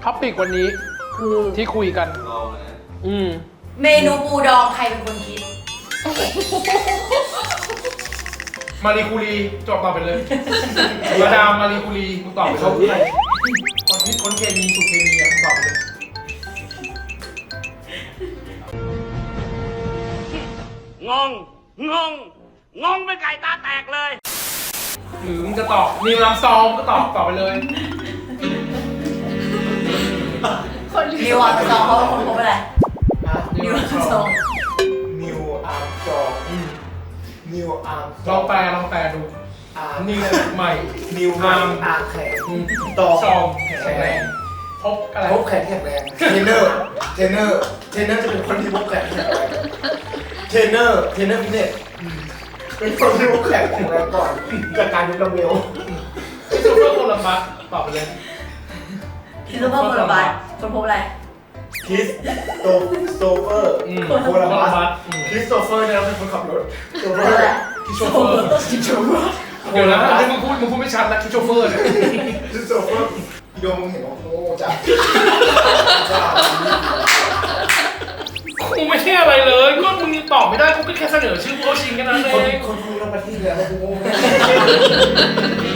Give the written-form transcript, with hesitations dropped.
ท็อปิกวันนี้คือที่คุยกันลองนะเมนูปูดองใครเป็นคนคิดมารีคูรีจบตอบไปเลยมาดามมารีคูรีมึงตอบไปเลยคนที่คนเคมีสุดเคมีอ่ะมึงตอบไปเลยงงเป็นไก่ตาแตกเลยหรือมึงจะตอบนิวลัมซองก็ตอบไปเลยนิวอัลซองเขาเป็นคนพบอะไร นิวอัลซองนิวอาร์มจองนิวอาร์มลองแปลดูอาร์มนิวใหม่นิวอาร์มอาร์แข็งตอซองแข็งแรงพบอะไรพบแข็งแข็งแรงเทรนเนอร์จะเป็นคนที่พบแข็งแข็งแรงเทรนเนอร์ฟิตเนสเป็นคนที่พบแข็งแข็งแรงก่อนจากการยกดัมเบลที่ซูเปอร์โคลัมบัสตอบไปเลยคิดว่าโคลาบัสคนพบอะไรคริสโตเฟอร์โคลาบัสคริสโตเฟอร์เนี่ยเป็นคนขับรถโชเฟอนั่นแหร์ละที่โชเฟอร์เดี๋ยวนะที่มึงพูดไม่ชัดนะที่โชเฟอร์เนี่ยคริสโตเฟอร์พี่โดมมึงเห็นว่าโง่จังกูไม่ใช่อะไรเลยก็มึงตอบไม่ได้กูก็แค่เสนอชื่อผู้เข้าชิงแค่นั้นเอคนงคุยเรามาที่แล้วกูโง่